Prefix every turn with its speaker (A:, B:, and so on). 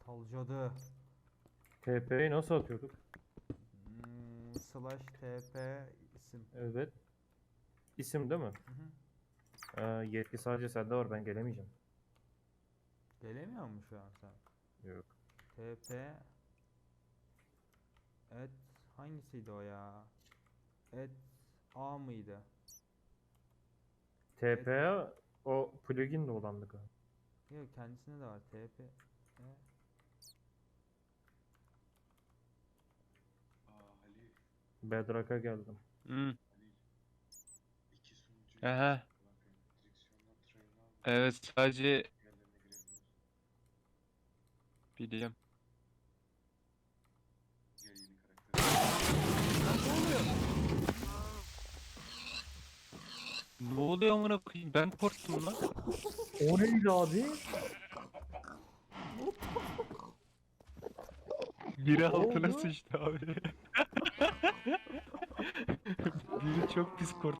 A: Falcadı.
B: TP'yi nasıl atıyorduk?
A: Slash TP isim.
B: Evet. İsim değil mi? Yetki sadece sende var, ben gelemeyeceğim.
A: Gelemiyor mu şu an sen?
B: Yok.
A: TP et hangisiydi o ya? Et A mıydı?
B: TP'ye o plugin de olandı galiba.
A: Yok kendisinde de var TP.
C: Halil,
B: Bedrock'a geldim.
D: Hmm.
C: Halil. İki sunucu
D: Aha.
C: direksiyondan train'i almış.
D: Evet sadece
C: Yerlerine girebiliyorsun.
D: biliyorum.
C: Gel yeni karakter.
D: Ne oluyor amına koyayım? Ben korktum lan.
B: O neydi abi?
D: Biri
B: oldu?
D: altına sıçtı abi. Biri çok pis korktu.